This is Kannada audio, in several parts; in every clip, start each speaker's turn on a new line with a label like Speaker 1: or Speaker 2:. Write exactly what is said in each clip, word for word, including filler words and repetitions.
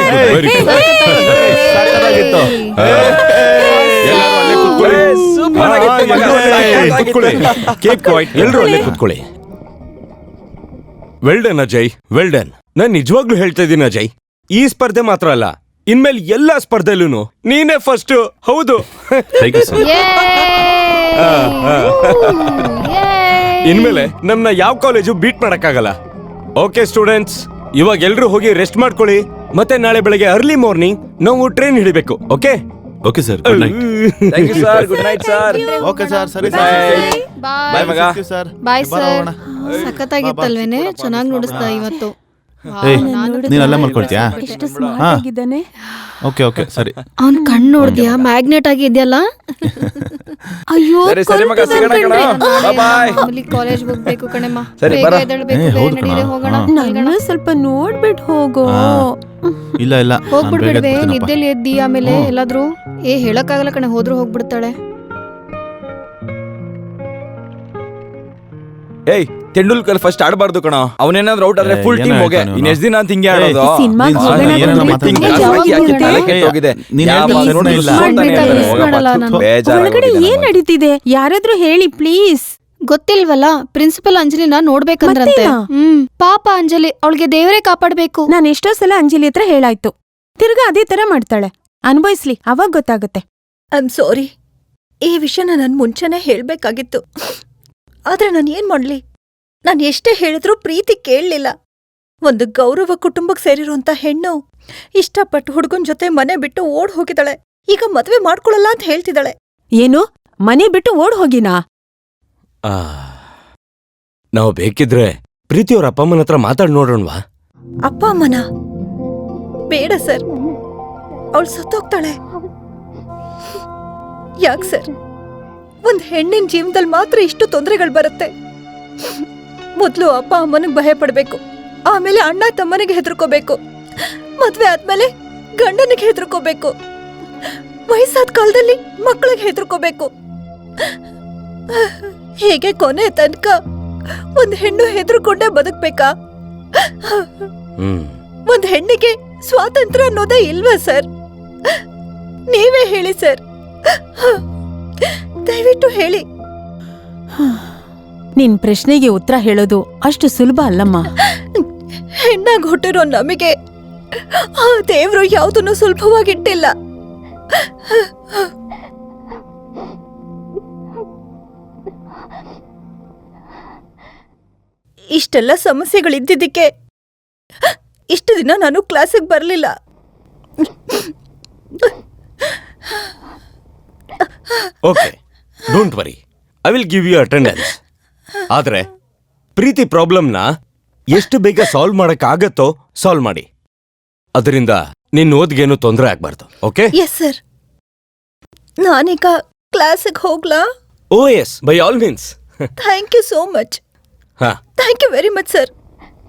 Speaker 1: ಎಲ್ರು ಅಲ್ಲೇ ಕೂತ್ಕೊಳ್ಳಿ. Well done Ajay, well done. ನಾನ್ ನಿಜವಾಗ್ಲೂ ಹೇಳ್ತಾ ಇದ್ದೀನಿ ಅಜಯ್, ಈ ಸ್ಪರ್ಧೆ ಮಾತ್ರ ಅಲ್ಲ, ಇನ್ಮೇಲೆ ಎಲ್ಲಾ ಸ್ಪರ್ಧೆಲೂ ನೀನೇ ಫಸ್ಟ್. ಹೌದು, ಇನ್ಮೇಲೆ ನಮ್ನ ಯಾವ ಕಾಲೇಜು ಬೀಟ್ ಮಾಡಕ್ಕಾಗಲ್ಲ. ಓಕೆ ಸ್ಟೂಡೆಂಟ್ಸ್, ಇವಾಗ ಎಲ್ರು ಹೋಗಿ ರೆಸ್ಟ್ ಮಾಡ್ಕೊಳ್ಳಿ. ಮತ್ತೆ ನಾಳೆ ಬೆಳಗ್ಗೆ ಅರ್ಲಿ ಮಾರ್ನಿಂಗ್ ನಾವು ಟ್ರೈನ್ ಹಿಡಿಬೇಕು. Okay
Speaker 2: okay sir, good night.
Speaker 3: Thank you sir, good night sir.
Speaker 4: Okay sir, ಸರಿ
Speaker 3: ಬಾಯ್ ಮಗ.
Speaker 5: Bye sir. ಸಖತ್ತಾಗಿತ್ತಲ್ವೇನೆ, ಚೆನ್ನಾಗಿ ನುಡಿಸ್ದ ಇವತ್ತು.
Speaker 4: ನೀನ್ ಅಲ್ಲೇ ಮಲ್ಕೊಳ್ತೀಯಾ?
Speaker 6: ಎಷ್ಟು ಸ್ಮಾರ್ಟ್ ಆಗಿದ್ದಾನೆ.
Speaker 4: ಓಕೆ ಓಕೆ ಸರಿ.
Speaker 5: ಅವ್ನ್ ಕಣ್ಣು ನೋಡ್ದ್ಯಾ, ಮ್ಯಾಗ್ನೆಟ್ ಆಗಿ ಇದೆಯಲ್ಲ. ಅಯ್ಯೋ
Speaker 3: ಸರಿ ಸರಿ ಮಗ, ಸಿಗೋಣ ಕಣ. ಬಾಯ್ ಬಾಯ್.
Speaker 5: ಕಾಲೇಜ್ ಹೋಗ್ಬೇಕು ಕಣಮ್ಮ,
Speaker 3: ಸರಿ
Speaker 5: ಬೇಗ
Speaker 3: ಬರ.
Speaker 5: ಎದ್ದೇಳ್ಬೇಕು, ನಡೀರಿ ಹೋಗೋಣ.
Speaker 6: ನನ್ನ ಸ್ವಲ್ಪ ನೋಡ್ಬಿಟ್ಟು ಹೋಗೋ.
Speaker 4: ಇಲ್ಲ ಇಲ್ಲ,
Speaker 5: ಹೋಗ್ಬಿಡ್ಬೇಡ್ವೆ, ನಿದ್ದೆಲಿ ಎದ್ದಿ ಆಮೇಲೆ ಎಲ್ಲಾದ್ರೂ. ಏ ಹೇಳಕ್ಕಾಗಲ್ಲ ಕಣೆ, ಹೋದ್ರು ಹೋಗ್ಬಿಡ್ತಾಳೆ.
Speaker 3: ಏಯ್, ತೆಂಡೂಲ್ಕರ್ ಫಸ್ಟ್ ಆಡಬಾರ್ದು ಕಣ. ಅವನೇನಾದ್ರೂ ಔಟ್ ಆದ್ರೆ ಫುಲ್ ಟೀಮ್ ಹೋಗೆ. ಇನ್ ಎಷ್ಟ್ ದಿನ ಅಂತ ಹಿಂಗೆ ಆಡೋದು?
Speaker 6: ಒಳಗಡೆ ಏನ್ ನಡೀತಿದೆ? ಯಾರಾದ್ರೂ ಹೇಳಿ ಪ್ಲೀಸ್.
Speaker 5: ಗೊತ್ತಿಲ್ವಲ್ಲ, ಪ್ರಿನ್ಸಿಪಲ್ ಅಂಜಲಿನ ನೋಡ್ಬೇಕಂದ್ರಂತೆ. ಹ್ಮ್, ಪಾಪ ಅಂಜಲಿ, ಅವಳಿಗೆ ದೇವರೇ ಕಾಪಾಡ್ಬೇಕು.
Speaker 6: ನಾನ್ ಎಷ್ಟೋ ಸಲ ಅಂಜಲಿ ಹತ್ರ ಹೇಳಾಯ್ತು, ತಿರ್ಗಾ ಅದೇ ತರ ಮಾಡ್ತಾಳೆ. ಅನ್ಭವಿಸ್ಲಿ, ಅವಾಗ ಗೊತ್ತಾಗುತ್ತೆ.
Speaker 7: ಐ ಆಮ್ ಸಾರಿ, ಈ ವಿಷಯನ ನನ್ ಮುಂಚೆನೆ ಹೇಳ್ಬೇಕಾಗಿತ್ತು. ಆದ್ರೆ ನಾನು ಏನ್ ಮಾಡ್ಲಿ? ನಾನು ಎಷ್ಟೇ ಹೇಳಿದ್ರೂ ಪ್ರೀತಿ ಕೇಳಲಿಲ್ಲ. ಒಂದು ಗೌರವ ಕುಟುಂಬಕ್ಕೆ ಸೇರಿರುವಂತ ಹೆಣ್ಣು ಇಷ್ಟಪಟ್ಟು ಹುಡುಗನ್ ಜೊತೆ ಮನೆ ಬಿಟ್ಟು ಓಡ್ ಹೋಗಿದ್ದಾಳೆ. ಈಗ ಮದ್ವೆ ಮಾಡ್ಕೊಳಲ್ಲ ಅಂತ ಹೇಳ್ತಿದ್ದಾಳೆ.
Speaker 6: ಏನು, ಮನೆ ಬಿಟ್ಟು ಓಡ್ ಹೋಗಿನಾ?
Speaker 1: ನಾವು ಬೇಕಿದ್ರೆ ಪ್ರೀತಿಯವ್ರ ಅಪ್ಪ ಅಮ್ಮನ ಹತ್ರ ಮಾತಾಡ್ ನೋಡೋಣವಾ?
Speaker 7: ಅಪ್ಪ ಅಮ್ಮನ ಬೇಡ ಸರ್, ಅವಳು ಸತ್ತೋಗ್ತಾಳೆ. ಯಾಕೆ ಸರ್? ಒಂದ್ ಹೆಣ್ಣಿನ ಜೀವನದಲ್ಲಿ ಮಾತ್ರ ಇಷ್ಟು ತೊಂದರೆಗಳು ಬರುತ್ತೆ. ಮೊದ್ಲು ಅಪ್ಪ ಅಮ್ಮನಿಗೆ ಭಯ ಪಡ್ಬೇಕು, ಆಮೇಲೆ ಅಣ್ಣ ತಮ್ಮನಿಗೆ ಹೆದರ್ಕೋಬೇಕು, ಮದ್ವೆ ಆದ್ಮೇಲೆ ಗಂಡನಿಗೆ ಹೆದರ್ಕೋಬೇಕು, ವಯಸ್ಸಾದ ಕಾಲದಲ್ಲಿ ಮಕ್ಕಳಿಗೆ ಹೆದರ್ಕೋಬೇಕು. ಹೇಗೆ ಕೊನೆ ತನಕ ಒಂದ್ ಹೆಣ್ಣು ಹೆದರ್ಕೊಂಡೇ ಬದುಕ್ಬೇಕಾ? ಒಂದ್ ಹೆಣ್ಣಿಗೆ ಸ್ವಾತಂತ್ರ್ಯ ಅನ್ನೋದೇ ಇಲ್ವಾ ಸರ್? ನೀವೇ ಹೇಳಿ ಸರ್, ದಯವಿಟ್ಟು ಹೇಳಿ.
Speaker 6: ನಿನ್ ಪ್ರಶ್ನೆಗೆ ಉತ್ತರ ಹೇಳೋದು ಅಷ್ಟು ಸುಲಭ ಅಲ್ಲಮ್ಮ.
Speaker 7: ಹೆಣ್ಣಾಗ್ ಹುಟ್ಟಿರೋ ನಮಗೆ ಆ ದೇವ್ರು ಯಾವುದನ್ನು ಸುಲಭವಾಗಿಟ್ಟಿಲ್ಲ. ಇಷ್ಟೆಲ್ಲ ಸಮಸ್ಯೆಗಳಿದ್ದಿದ್ದಕ್ಕೆ ಇಷ್ಟು ದಿನ ನಾನು ಕ್ಲಾಸಿಗೆ ಬರಲಿಲ್ಲ.
Speaker 1: Okay, don't worry, I will give you attendance. ಆದ್ರೆ ಪ್ರೀತಿ ಪ್ರಾಬ್ಲಮ್ನ ಎಷ್ಟು ಬೇಗ ಸಾಲ್ವ್ ಮಾಡಕ್ ಆಗತ್ತೋ ಸಾಲ್ವ್ ಮಾಡಿ. ಅದರಿಂದ ನಿನ್ನ ಓದ್ಗೇನು ತೊಂದರೆ ಆಗ್ಬಾರ್ದು. ಓಕೆ?
Speaker 7: Yes sir. ನಾನೀಗ ಕ್ಲಾಸಿಗೆ ಹೋಗ್ಲಾ?
Speaker 1: Oh yes, by all means.
Speaker 7: Thank you so much.
Speaker 1: ಹಾ,
Speaker 7: thank you very much sir.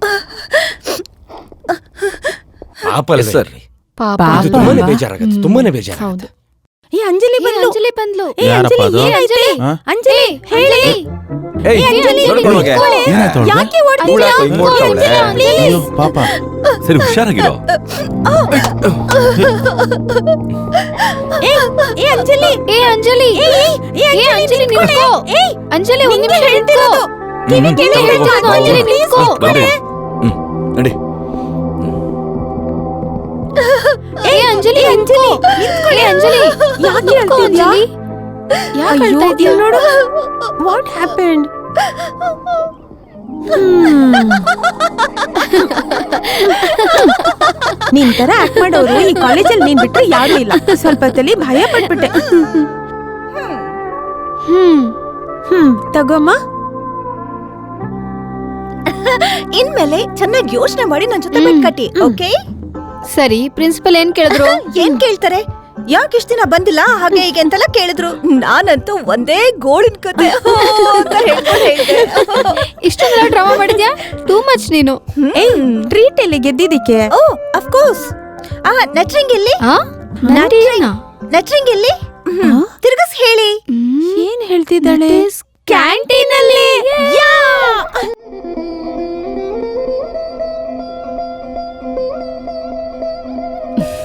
Speaker 1: ಪಾಪ ಸರ್, ತುಂಬಾನೇ ಬೇಜಾರಾಗತ್ತೆ, ತುಂಬಾನೇ ಬೇಜಾರಾಗತ್ತೆ.
Speaker 6: ಏ ಅಂಜಲಿ ಬಂದ್ಲು,
Speaker 5: ಅಂಜಲಿ ಬಂದ್ಲು.
Speaker 6: ಏ ಅಂಜಲಿ, ಏನಾಯ್ತು? ಅಂಜಲಿ ಹೇಳಿ.
Speaker 3: ಏಯ್, ನೋಡ್ಕೊಂಡು ಹೋಗೆ.
Speaker 6: ಯಾಕೆ ಓಡ್ತಿದ್ಯಾ?
Speaker 4: ಅಯ್ಯೋ ಪಾಪ.
Speaker 2: ಸರಿ, ಹುಷಾರಾಗಿರೋ.
Speaker 6: ಏ ಏ ಅಂಜಲಿ,
Speaker 5: ಏ ಅಂಜಲಿ, ಏ ಅಂಜಲಿ ನಿಂತ್ಕೋ. ಅಂಜಲಿ ಒಂದ್ ನಿಮಿಷ ನಿಂತ್ಕೋ. ಕಿವಿ ಕೇಳಿ ಹೇಳ್ತಿರೋದು. ಅಂಜಲಿ ನಿಂತ್ಕೋ.
Speaker 3: ನಡಿ.
Speaker 5: ಏ ಅಂಜಲಿ, ಅಂಜಲಿ ನಿಂತ್ಕೊಳ್ಳಿ. ಅಂಜಲಿ
Speaker 6: ಯಾಕೆ ಹೇಳ್ತಿದ್ಯಾ?
Speaker 5: ಯಾಕೆ ಹೇಳ್ತಾ ಇದೀಯ?
Speaker 6: ನೋಡು, ವಾಟ್ ಹ್ಯಾಪೆಂಡ್? ನಿನ್ ತರ ಆಕ್ಟ್ ಮಾಡೋರು ಈ ಕಾಲೇಜಲ್ಲಿ ನೀನ್ ಬಿಟ್ರೆ ಯಾರು ಇಲ್ಲ. ಸ್ವಲ್ಪ ಹೊತ್ತಲ್ಲಿ ಭಯ ಪಟ್ಬಿಟ್ಟೆ. ಹ್ಮ್ ಹ್ಮ್ ತಗೋಮ್ಮ.
Speaker 7: ಇನ್ಮೇಲೆ ಚೆನ್ನಾಗಿ ಯೋಚನೆ ಮಾಡಿ ನನ್ ಜೊತೆ ಬೆಟ್ ಕಟ್ಟಿ. ಓಕೆ?
Speaker 5: ಸರಿ, ಪ್ರಿನ್ಸಿಪಲ್ ಏನ್ ಕೇಳಿದ್ರು?
Speaker 7: ಏನ್ ಕೇಳ್ತಾರೆ? ಯಾಕೆ ಇಷ್ಟ ದಿನ ಬಂದಿಲ್ಲ ಹಾಗೆ ಹೀಗೆ ಅಂತೆಲ್ಲ ಕೇಳಿದ್ರು. ನಾನಂತೂ ಒಂದೇ ಗೋಳಿನ ಕತೆ ಅಂತ ಹೇಳ್ಕೊಂಡು ಹೇಳಿದೆ.
Speaker 5: ಇಷ್ಟೊಂದೆಲ್ಲ ಡ್ರಾಮಾ ಮಾಡಿದ್ಯಾ? ಟೂ ಮಚ್ ನೀನು.
Speaker 6: ಏಯ್, ಟ್ರೀಟ್ ಎಲ್ಲಿ ಗೆದ್ದಿದ್ದಕ್ಕೆ?
Speaker 7: ಓ ಆಫ್ ಕೋರ್ಸ್. ಆ ನಟ್ರಿಂಗ್ ಎಲ್ಲಿ? ನಟ್ರಿಂಗ್ ಎಲ್ಲಿ? ತಿರ್ಗಸ್ ಹೇಳಿ.
Speaker 6: ಏನ್ ಹೇಳ್ತಿದ್ದಾಳೆ?
Speaker 5: ಕ್ಯಾಂಟೀನ್ ಅಲ್ಲಿ.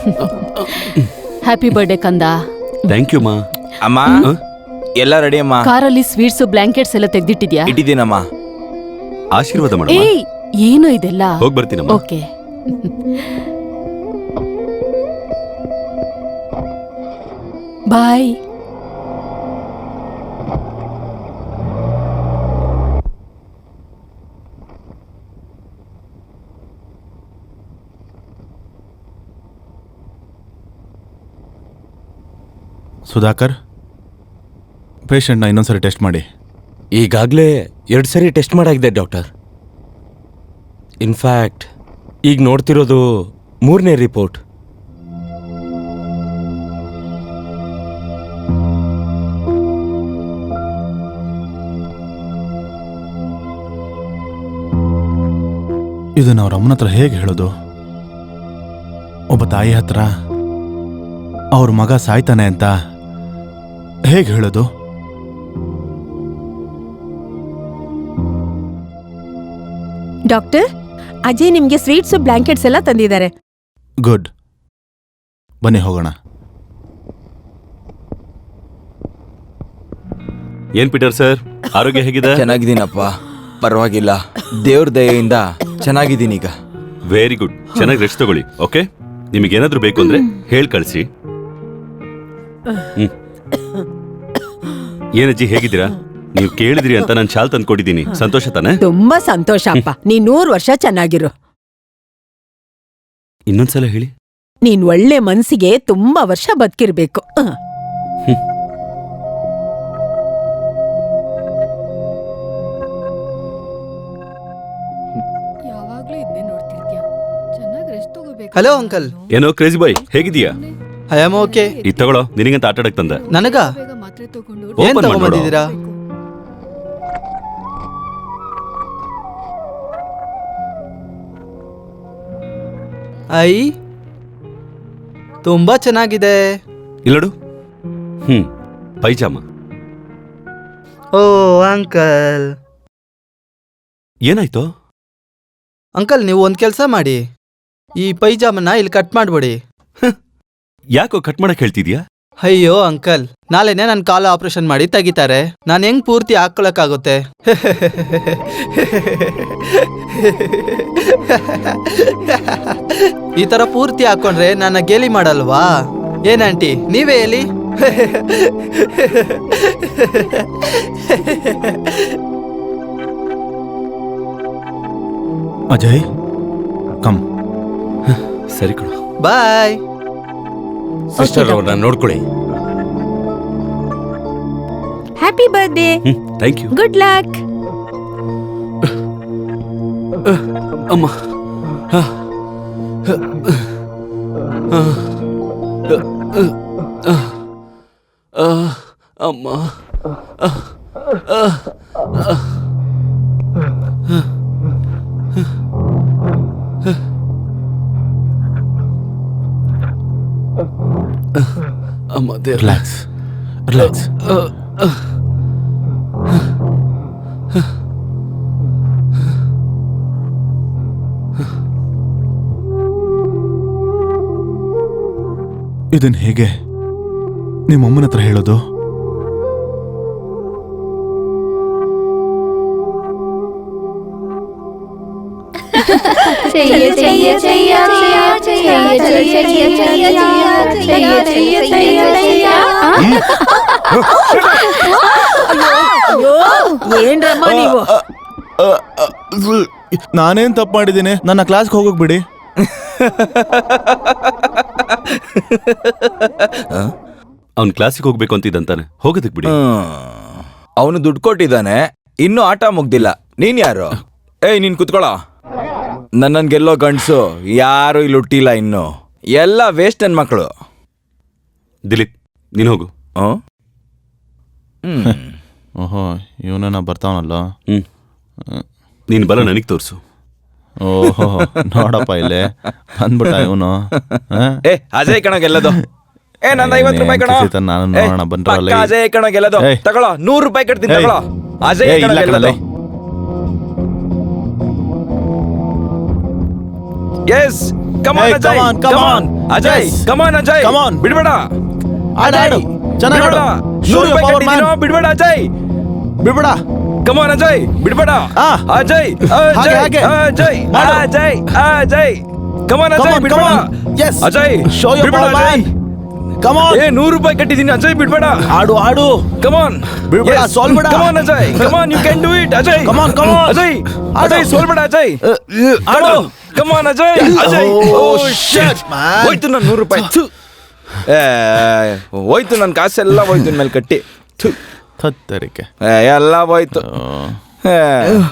Speaker 5: ಹ್ಯಾಪಿ ಬರ್ಡೇ ಕಂದ.
Speaker 2: ಥ್ಯಾಂಕ್ ಯು ಮಾ.
Speaker 3: ಅಮ್ಮ ಎಲ್ಲ ರೆಡಿ ಅಮ್ಮ.
Speaker 5: ಕಾರಲ್ಲಿ ಸ್ವೀಟ್ಸ್ ಬ್ಲಾಂಕೆಟ್ಸ್ ಎಲ್ಲ ತೆಗ್ದಿಟ್ಟಿದ್ಯಾ?
Speaker 3: ಇಟ್ಟಿದ್ದೀನಮ್ಮ.
Speaker 2: ಆಶೀರ್ವಾದ ಮಾಡಮ್ಮ.
Speaker 5: ಏಯ್ ಏನು ಇದೆಲ್ಲ?
Speaker 2: ಹೋಗ್ ಬರ್ತೀನಮ್ಮ.
Speaker 5: ಓಕೆ. ಬಾಯ್.
Speaker 4: ಸುಧಾಕರ್, ಪೇಷಂಟ್ನ ಇನ್ನೊಂದ್ಸರಿ ಟೆಸ್ಟ್ ಮಾಡಿ.
Speaker 1: ಈಗಾಗಲೇ ಎರಡು ಸರಿ ಟೆಸ್ಟ್ ಮಾಡಾಗಿದೆ ಡಾಕ್ಟರ್. ಇನ್ಫ್ಯಾಕ್ಟ್ ಈಗ ನೋಡ್ತಿರೋದು ಮೂರನೇ ರಿಪೋರ್ಟ್.
Speaker 4: ಇದನ್ನ ಅವ್ರ ಅಮ್ಮನ ಹತ್ರ ಹೇಗೆ ಹೇಳೋದು? ಒಬ್ಬ ತಾಯಿ ಹತ್ರ ಅವ್ರ ಮಗ ಸಾಯ್ತಾನೆ ಅಂತ ಹೇಗೆ ಹೇಳೋದು?
Speaker 6: ಡಾಕ್ಟರ್, ಅಜಯ್ ನಿಮ್ಗೆ ಸ್ವೀಟ್ಸ್ ಬ್ಲಾಂಕೆಟ್ಸ್ ಎಲ್ಲ ತಂದಿದ್ದಾರೆ.
Speaker 4: ಗುಡ್, ಬನ್ನಿ ಹೋಗೋಣ.
Speaker 2: ಏನ್ ಪೀಟರ್ ಸರ್, ಆರೋಗ್ಯ ಹೇಗಿದೆ?
Speaker 3: ಚೆನ್ನಾಗಿದ್ದೀನಪ್ಪ, ಪರವಾಗಿಲ್ಲ. ದೇವ್ರ ದಯೆಯಿಂದ ಚೆನ್ನಾಗಿದ್ದೀನಿ ಈಗ.
Speaker 2: Very good. ಚೆನ್ನಾಗಿ ರೆಸ್ಟ್ ತಗೊಳ್ಳಿ. ಓಕೆ, ನಿಮಗೇನಾದ್ರೂ ಬೇಕು ಅಂದ್ರೆ ಹೇಳ್ ಕಳ್ಸಿ. ಹ್ಮ್. ಏನಜ್ಜಿ ಹೇಗಿದ್ದೀರಾ? ನೀವು ಕೇಳಿದ್ರಿ ಅಂತ ನಾನು ಶಾಲ್ ತಂದ್ಕೊಟ್ಟಿದ್ದೀನಿ. ಸಂತೋಷ ತಾನೆ?
Speaker 8: ತುಂಬಾ ಸಂತೋಷ ಅಪ್ಪ. ನೀನ್ ನೂರ್ ವರ್ಷ ಚೆನ್ನಾಗಿರು.
Speaker 2: ಇನ್ನೊಂದ್ಸಲ ಹೇಳಿ.
Speaker 8: ನೀನ್ ಒಳ್ಳೆ ಮನ್ಸಿಗೆ ತುಂಬಾ ವರ್ಷ ಬದುಕಿರ್ಬೇಕು.
Speaker 5: ಯಾವಾಗ್ಲೂ ಇದನ್ನೇ ನೋಡ್ತಿರ್ತೀಯ. ಚೆನ್ನಾಗಿ ರೆಸ್ಟ್ ತಗೋಬೇಕು.
Speaker 9: Hello uncle.
Speaker 2: ಏನೋ ಕ್ರೇಜಿ ಬಾಯ್, ಹೇಗಿದೀಯಾ?
Speaker 9: I am okay.
Speaker 2: ಇದು ತಗೊಳ್ಳೋ, ನಿನಗಂತ ಆಟ ಆಡಕ್ ತಂದೆ.
Speaker 9: ನನಗ
Speaker 5: ಬೇಗ ಮಾತ್ರೆ ತಗೊಂಡು
Speaker 9: ಏನ್
Speaker 2: ಓಪನ್ ಮಾಡ್ಬಿಡು.
Speaker 9: ತಗೊಂಬಂದಿದ್ದೀರಾ? ಐ ತುಂಬಾ ಚೆನ್ನಾಗಿದೆ.
Speaker 2: ಇಲ್ಲಡು. ಹ್ಮ್, ಪೈಜಾಮ.
Speaker 9: ಓ ಅಂಕಲ್.
Speaker 2: ಏನಾಯ್ತು?
Speaker 9: ಅಂಕಲ್, ನೀವು ಒಂದ್ ಕೆಲ್ಸ ಮಾಡಿ, ಈ ಪೈಜಾಮನ್ನ ಇಲ್ಲಿ ಕಟ್ ಮಾಡ್ಬಿಡಿ.
Speaker 2: ಯಾಕೋ ಕಟ್ ಮಾಡಕ್ ಹೇಳ್ತಿದ್ಯಾ?
Speaker 9: ಅಯ್ಯೋ ಅಂಕಲ್, ನಾಳೆನೆ ನನ್ ಕಾಲ ಆಪರೇಷನ್ ಮಾಡಿ ತೆಗಿತಾರೆ. ನಾನು ಹೆಂಗ್ ಪೂರ್ತಿ ಹಾಕೊಳಕ್ಕಾಗುತ್ತೆ? ಈ ತರ ಪೂರ್ತಿ ಹಾಕೊಂಡ್ರೆ ನನ್ನ ಗೇಲಿ ಮಾಡಲ್ವಾ? ಏನಂಟಿ, ನೀವೇ ಹೇಳಿ.
Speaker 4: ಅಜಯ್, ಕಮ್.
Speaker 2: ಸರಿ ಕಣ.
Speaker 9: ಬಾಯ್.
Speaker 1: ಸಿಸ್ಟರ್ ಅವ್ರನ್ನ ನೋಡ್ಕೊಳ್ಳಿ.
Speaker 6: Happy birthday.
Speaker 2: ಹ್ಮ್, ಥ್ಯಾಂಕ್ ಯು.
Speaker 6: Good luck.
Speaker 2: ಅಮ್ಮ. ಅಮ್ಮ. ಅಮ್ಮ, ದೇವ್ರೇ.
Speaker 4: Relax, relax. ಇದನ್ ಹೇಗೆ ನಿಮ್ಮಮ್ಮನ ಹತ್ರ ಹೇಳೋದು?
Speaker 8: ಏನ್ರಮ್ಮ ನೀವು?
Speaker 4: ನಾನೇನ್ ತಪ್ಪು ಮಾಡಿದ್ದೀನಿ? ನನ್ನ ಕ್ಲಾಸ್ಗೆ ಹೋಗೋಕ್ ಬಿಡಿ.
Speaker 2: ಅವ್ನ್ ಕ್ಲಾಸಿಗೆ ಹೋಗ್ಬೇಕು ಅಂತಿದ್ದಂತಾನೆ, ಹೋಗೋದಕ್ ಬಿಡಿ.
Speaker 3: ಅವನು ದುಡ್ಡು ಕೊಟ್ಟಿದ್ದಾನೆ, ಇನ್ನೂ ಆಟ ಮುಗ್ದಿಲ್ಲ. ನೀನ್ ಯಾರು? ಏಯ್, ನೀನ್ ಕುತ್ಕೊಳ. ನನ್ನನ್ ಗೆಲ್ಲೋ ಗಂಡ್ಸು ಯಾರು ಇಲ್ಲಿ ಹುಟ್ಟಿಲ್ಲ ಇನ್ನು. ಎಲ್ಲ ವೇಸ್ಟ್ ನನ್ ಮಕ್ಕಳು.
Speaker 2: ದಿಲೀಪ್, ನೀನ್ ಹೋಗು.
Speaker 3: ಹ್ಮ್
Speaker 4: ಓಹೋ, ಇವನ ಬರ್ತಾವನಲ್ಲ.
Speaker 2: ಹ್ಮ್, ನೀನ್ ಬಲ ನನಗ್ ತೋರ್ಸು.
Speaker 4: ಓಹೋ, ನೋಡಪ್ಪ ಇಲ್ಲೇ ಬಂದ್ಬಿಟ್ಟ ಇವನು.
Speaker 3: ಏ ಅಜಯ್ ಕಣ ಗೆಲ್ಲದು. ಏ ನನ್ನ ಐವತ್ತು ರೂಪಾಯಿ ಕಣ.
Speaker 4: ನಾನು ನೋಡೋಣ ಬಂದ್ರಲ್ಲ.
Speaker 3: ಪಕ್ಕ ಅಜಯ್ ಕಣ ಗೆಲ್ಲದು.
Speaker 4: ಏಯ್.
Speaker 3: ತಗೊಳ್ಳೋ, ನೂರು ರೂಪಾಯಿ ಕಟ್ತೀನಿ.
Speaker 4: ಏಯ್.
Speaker 3: ತಗೊಳ್ಳೋ, ಅಜಯ್
Speaker 4: ಏಯ್,
Speaker 3: ಕಣ
Speaker 4: ಇಲ್ಲ
Speaker 3: ಗೆಲ್ಲದು.
Speaker 4: ಕಣಲೇ.
Speaker 3: Yes, come
Speaker 4: Hey,
Speaker 3: on
Speaker 4: come
Speaker 3: Ajay,
Speaker 4: on, come
Speaker 3: come
Speaker 4: on.
Speaker 3: On. Ajay
Speaker 4: Yes.
Speaker 3: Come on Ajay
Speaker 4: Come on.
Speaker 3: ಬಿಡ್ಬೇಡ
Speaker 4: ಆಡು, ಆಡು. ಚೆನ್ನಾಗ್
Speaker 3: ಬಿಡ್ಬೇಡ.
Speaker 4: ಆಡು.
Speaker 3: ನೂರು
Speaker 4: Show your
Speaker 3: ರೂಪಾಯಿ
Speaker 4: power,
Speaker 3: ಕಟ್ಟಿದ್ದೀನೋ,
Speaker 4: man.
Speaker 3: ಬಿಡ್ಬೇಡ ಅಜಯ್
Speaker 4: ಬಿಡ್ಬೇಡ.
Speaker 3: ಕಮಾನ್ ಅಜಯ್ ಬಿಡ್ಬೇಡ
Speaker 4: ಆ.
Speaker 3: ಅಜಯ್
Speaker 4: ಹಾಗೆ,
Speaker 3: ಅಜಯ್
Speaker 4: ಹಾಗೆ.
Speaker 3: ಅಜಯ್
Speaker 4: ಮಾಡು.
Speaker 3: ಅಜಯ್ ಅಜಯ್ ಕಮಾನ್
Speaker 4: Come
Speaker 3: Ajay
Speaker 4: on,
Speaker 3: ಬಿಡ್ಬೇಡ
Speaker 4: come on. Yes.
Speaker 3: Ajay
Speaker 4: Show your
Speaker 3: ಬಿಡ್ಬೇಡ
Speaker 4: power,
Speaker 3: Ajay
Speaker 4: man. Come on.
Speaker 3: ಏ ನೂರು ರೂಪಾಯಿ ಕಟ್ಟಿದ್ದೀನಿ ಅಜಯ್ ಬಿಡ್ಬೇಡ
Speaker 4: ಆಡು ಆಡು
Speaker 3: ಕಮಾನ್
Speaker 4: ಬಿಡ್ಬೇಡ, ಸೋಲ್ಬೇಡ.
Speaker 3: Come on Ajay come on you can do it Ajay
Speaker 4: Come on, come on.
Speaker 3: Ajay
Speaker 4: ಆಡು.
Speaker 3: ಅಜಯ್ ಸೋಲ್ಬೇಡ ಅಜಯ್
Speaker 4: ಆಡು.
Speaker 3: ಕಮಾನ್ ಅಜಯ್ ಅಜಯ್
Speaker 4: Oh,
Speaker 3: ಓ
Speaker 4: shit,
Speaker 3: ಶಿಟ್
Speaker 4: man.
Speaker 3: ಹೋಯ್ತು ನನ್ನ ನೂರು ರೂಪಾಯಿ ಥು. ಏ, ಹೋಯ್ತು ನನ್ನ ಕಾಸೆಲ್ಲ ಹೋಯ್ತು ನನ್ನ ಮೇಲೆ ಕಟ್ಟಿ ಥು.
Speaker 4: ಥತ್ತರಿಕೆ
Speaker 3: ಏ, ಎಲ್ಲ ಹೋಯ್ತು
Speaker 4: ಓ.
Speaker 3: ಏ.